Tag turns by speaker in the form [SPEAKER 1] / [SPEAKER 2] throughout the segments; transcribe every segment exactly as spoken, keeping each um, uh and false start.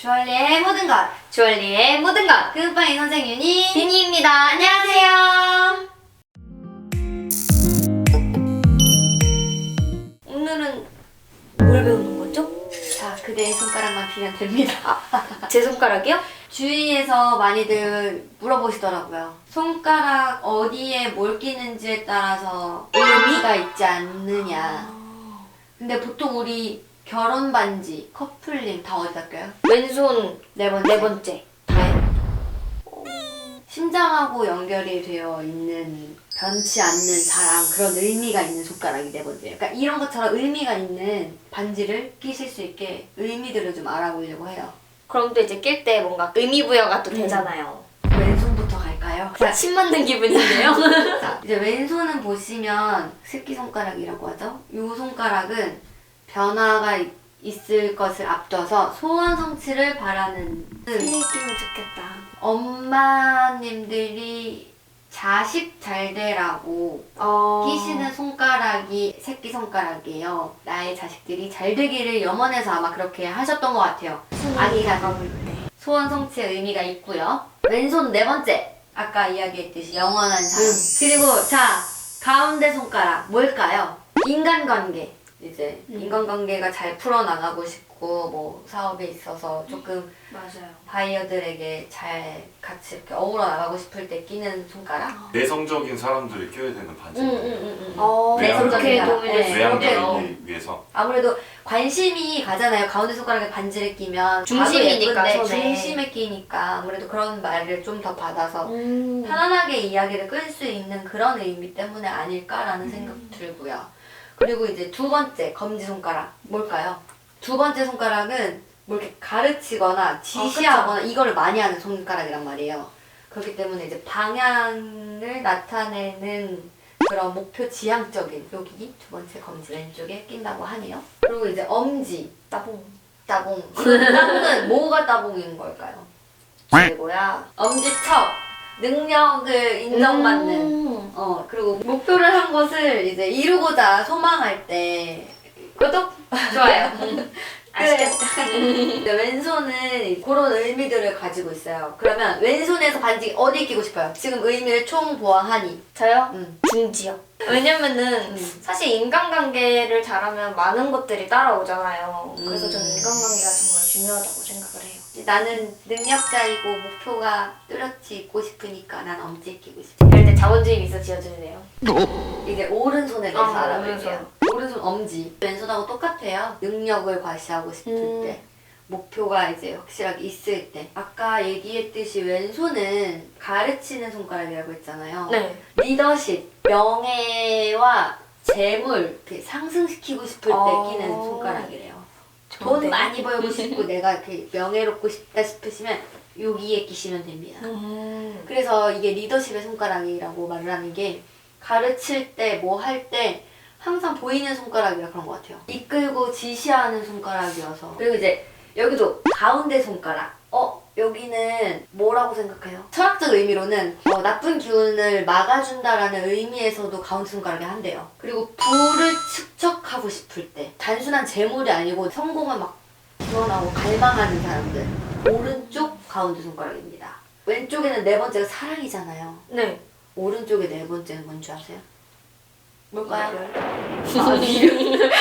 [SPEAKER 1] 주얼리의 모든 것,
[SPEAKER 2] 주얼리의 모든 것
[SPEAKER 1] 금빵이 선생 윤희
[SPEAKER 2] 비니입니다.
[SPEAKER 1] 안녕하세요.
[SPEAKER 2] 오늘은 뭘 배우는 거죠?
[SPEAKER 1] 자, 그대의 손가락만 비면 됩니다.
[SPEAKER 2] 제 손가락이요?
[SPEAKER 1] 주위에서 많이들 물어보시더라고요. 손가락 어디에 뭘 끼는지에 따라서 의미가 있지 않느냐. 근데 보통 우리 결혼 반지, 커플링 다 어디다 껴요?
[SPEAKER 2] 왼손
[SPEAKER 1] 네 번째.
[SPEAKER 2] 네 번째.
[SPEAKER 1] 다요. 심장하고 연결이 되어 있는 변치 않는 사랑, 그런 의미가 있는 손가락이 네 번째예요. 그러니까 이런 것처럼 의미가 있는 반지를 끼실 수 있게 의미들을 좀 알아보려고 해요.
[SPEAKER 2] 그럼 또 이제 낄 때 뭔가 의미 부여가 또
[SPEAKER 1] 음.
[SPEAKER 2] 되잖아요.
[SPEAKER 1] 왼손부터 갈까요? 자,
[SPEAKER 2] 침 맞는 기분인데요?
[SPEAKER 1] 자, 이제 왼손은 보시면 새끼손가락이라고 하죠. 이 손가락은 변화가 이- 있을 것을 앞둬서 소원 성취를 바라는
[SPEAKER 2] 끼면 좋겠다.
[SPEAKER 1] 엄마님들이 자식 잘 되라고
[SPEAKER 2] 어...
[SPEAKER 1] 끼시는 손가락이 새끼손가락이에요. 나의 자식들이 잘 되기를 염원해서 아마 그렇게 하셨던 것 같아요. 아기가
[SPEAKER 2] 가볼 때.
[SPEAKER 1] 소원 성취의 의미가 있고요. 왼손 네 번째. 아까 이야기했듯이 영원한 사랑.
[SPEAKER 2] 음.
[SPEAKER 1] 그리고 자, 가운데 손가락 뭘까요? 인간관계. 이제
[SPEAKER 2] 음.
[SPEAKER 1] 인간관계가 잘 풀어나가고 싶고 뭐 사업에 있어서 조금
[SPEAKER 2] 맞아요.
[SPEAKER 1] 바이어들에게 잘 같이 이렇게 어우러 나가고 싶을 때 끼는 손가락.
[SPEAKER 3] 내성적인 사람들이 껴야 되는 반지입니다.
[SPEAKER 1] 응응응응.
[SPEAKER 2] 어,
[SPEAKER 3] 네,
[SPEAKER 2] 그렇게
[SPEAKER 1] 내성적인
[SPEAKER 2] 도움이
[SPEAKER 1] 사람.
[SPEAKER 2] 될 수
[SPEAKER 1] 네,
[SPEAKER 2] 있겠네요.
[SPEAKER 3] 외향적이기 위해서.
[SPEAKER 1] 아무래도 관심이 가잖아요. 가운데 손가락에 반지를 끼면
[SPEAKER 2] 중심이니까,
[SPEAKER 1] 봐도 예쁜데
[SPEAKER 2] 손에.
[SPEAKER 1] 중심에 끼니까 아무래도 그런 말을 좀 더 받아서
[SPEAKER 2] 음.
[SPEAKER 1] 편안하게 이야기를 끌 수 있는 그런 의미 때문에 아닐까라는 생각 들고요. 그리고 이제 두 번째 검지손가락 뭘까요? 두 번째 손가락은 뭐 이렇게 가르치거나 지시하거나 이거를 많이 하는 손가락이란 말이에요. 그렇기 때문에 이제 방향을 나타내는 그런 목표 지향적인 여기 두 번째 검지 왼쪽에 낀다고 하네요. 그리고 이제 엄지,
[SPEAKER 2] 따봉.
[SPEAKER 1] 따봉. 따봉은 뭐가 따봉인 걸까요?
[SPEAKER 2] 최고야.
[SPEAKER 1] 엄지척, 능력을 인정받는.
[SPEAKER 2] 음.
[SPEAKER 1] 어, 그리고 목표를 한 것을 이제 이루고자 소망할 때 구독!
[SPEAKER 2] 좋아요.
[SPEAKER 1] 아시겠다. 근데 왼손은 그런 의미들을 가지고 있어요. 그러면 왼손에서 반지 어디 끼고 싶어요? 지금 의미를 총 보아하니.
[SPEAKER 2] 저요?
[SPEAKER 1] 음.
[SPEAKER 2] 중지요. 왜냐면은
[SPEAKER 1] 음.
[SPEAKER 2] 사실 인간관계를 잘하면 많은 것들이 따라오잖아요. 그래서
[SPEAKER 1] 음.
[SPEAKER 2] 저는 인간관계가 정말 중요하다고 생각을 해요.
[SPEAKER 1] 나는 능력자이고 목표가 뚜렷이 있고 싶으니까 난 엄지 끼고 싶어.
[SPEAKER 2] 이럴 때 자본주의 미소 지어주네요.
[SPEAKER 1] 이제 오른손에 대해서
[SPEAKER 2] 아,
[SPEAKER 1] 알아볼게요. 오른손 엄지. 왼손하고 똑같아요. 능력을 과시하고 싶을
[SPEAKER 2] 음.
[SPEAKER 1] 때. 목표가 이제 확실하게 있을 때. 아까 얘기했듯이 왼손은 가르치는 손가락이라고 했잖아요.
[SPEAKER 2] 네.
[SPEAKER 1] 리더십, 명예와 재물 이렇게 상승시키고 싶을 때
[SPEAKER 2] 어.
[SPEAKER 1] 끼는 손가락이래요. 돈
[SPEAKER 2] 좋은데요?
[SPEAKER 1] 많이 벌고 싶고 내가 이렇게 명예롭고 싶다 싶으시면 여기에 끼시면 됩니다.
[SPEAKER 2] 음.
[SPEAKER 1] 그래서 이게 리더십의 손가락이라고 말을 하는 게 가르칠 때 뭐 할 때 항상 보이는 손가락이라 그런 것 같아요. 이끌고 지시하는 손가락이어서. 그리고 이제 여기도 가운데 손가락. 어? 여기는 뭐라고 생각해요? 철학적 의미로는 어, 나쁜 기운을 막아준다라는 의미에서도 가운데 손가락이 한대요. 그리고 부를 축적하고 싶을 때 단순한 재물이 아니고 성공을 막 기원하고 갈망하는 사람들 오른쪽 가운데 손가락입니다. 왼쪽에는 네 번째가 사랑이잖아요.
[SPEAKER 2] 네.
[SPEAKER 1] 오른쪽에 네 번째는 뭔지 아세요? 뭘까요?
[SPEAKER 2] 이별.
[SPEAKER 1] 아, 이별.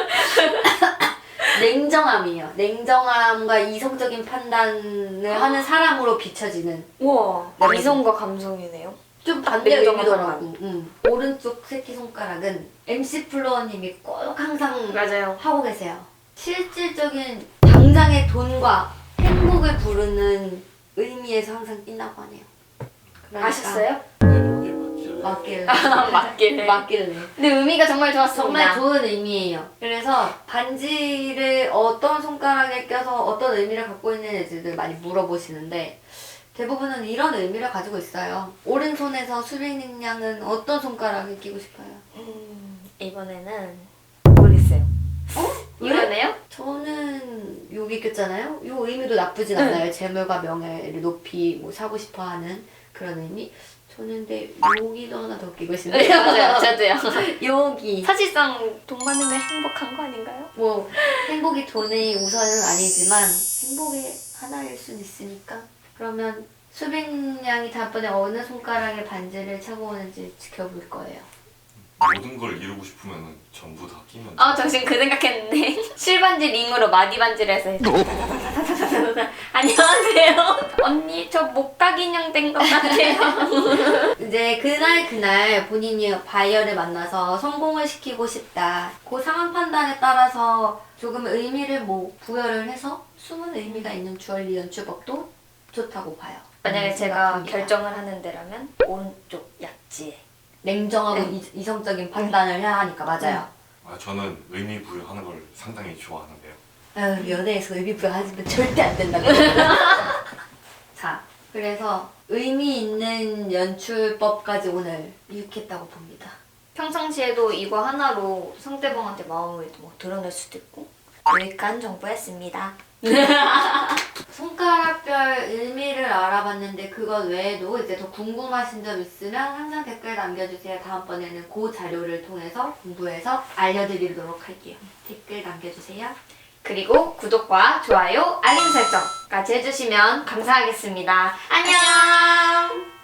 [SPEAKER 1] 냉정함이에요. 냉정함과 이성적인 판단을 하는 사람으로 비춰지는
[SPEAKER 2] 우와.
[SPEAKER 1] 네.
[SPEAKER 2] 이성과 감성이네요.
[SPEAKER 1] 좀 반대
[SPEAKER 2] 냉정한
[SPEAKER 1] 의미더라고. 응. 오른쪽 새끼손가락은 엠씨 플로어님이 꼭 항상
[SPEAKER 2] 맞아요.
[SPEAKER 1] 하고 계세요. 실질적인 당장의 돈과 행복을 부르는 의미에서 항상 낀다고 하네요. 그러니까
[SPEAKER 2] 아셨어요?
[SPEAKER 3] 네, 여기 맞지.
[SPEAKER 1] 맞길래.
[SPEAKER 2] 맞길래.
[SPEAKER 1] 맞길래.
[SPEAKER 2] 근데 의미가 정말 좋았습니다.
[SPEAKER 1] 정말 좋은 의미예요. 그래서 반지를 어떤 손가락에 껴서 어떤 의미를 갖고 있는지를 많이 물어보시는데 대부분은 이런 의미를 가지고 있어요. 오른손에서 수백 능량은 어떤 손가락에 끼고 싶어요?
[SPEAKER 2] 음, 이번에는 모르겠어요.
[SPEAKER 1] 어?
[SPEAKER 2] 이거네요?
[SPEAKER 1] 저는 여기 꼈잖아요. 이 의미도 나쁘진
[SPEAKER 2] 네.
[SPEAKER 1] 않아요. 재물과 명예를 높이 뭐 사고 싶어하는 그런 의미. 저는 근데 여기도 하나 더 끼고
[SPEAKER 2] 네,
[SPEAKER 1] 싶네요.
[SPEAKER 2] 맞아요. 저도요.
[SPEAKER 1] 여기.
[SPEAKER 2] 사실상 돈 많으면 행복한 거 아닌가요?
[SPEAKER 1] 뭐 행복이 돈이 우선은 아니지만 행복의 하나일 순 있으니까. 그러면 수빈 양이 다음번에 어느 손가락에 반지를 차고 오는지 지켜볼 거예요.
[SPEAKER 3] 모든 걸 이루고 싶으면 전부 다 끼면
[SPEAKER 2] 아, 저 지금 그 생각했는데 실반지 링으로 마디 반지를 해서 해서 안녕하세요. 언니 저 목각 인형 된 것 같아요.
[SPEAKER 1] 이제 그날 그날 본인이 바이어를 만나서 성공을 시키고 싶다. 그 상황 판단에 따라서 조금 의미를 뭐 부여를 해서 숨은 의미가 있는 주얼리 연출법도 좋다고 봐요.
[SPEAKER 2] 만약에
[SPEAKER 1] 음,
[SPEAKER 2] 제가
[SPEAKER 1] 생각합니다.
[SPEAKER 2] 결정을 하는 데라면 오른쪽 약지에.
[SPEAKER 1] 냉정하고
[SPEAKER 2] 네.
[SPEAKER 1] 이, 이성적인 판단을 해야 하니까 맞아요.
[SPEAKER 3] 아, 저는 의미 부여하는 걸 상당히 좋아하는데요.
[SPEAKER 1] 아유, 연애에서 의미 부여하시면 절대 안 된다고. 자, 그래서 의미 있는 연출법까지 오늘 유익했다고 봅니다.
[SPEAKER 2] 평상시에도 이거 하나로 상대방한테 마음을 뭐 드러낼 수도 있고 유익한 정보였습니다.
[SPEAKER 1] 손가락별 의미를 알아봤는데 그것 외에도 이제 더 궁금하신 점 있으면 항상 댓글 남겨주세요. 다음번에는 그 자료를 통해서 공부해서 알려드리도록 할게요. 댓글 남겨주세요.
[SPEAKER 2] 그리고 구독과 좋아요, 알림 설정까지 해주시면 감사하겠습니다. 안녕!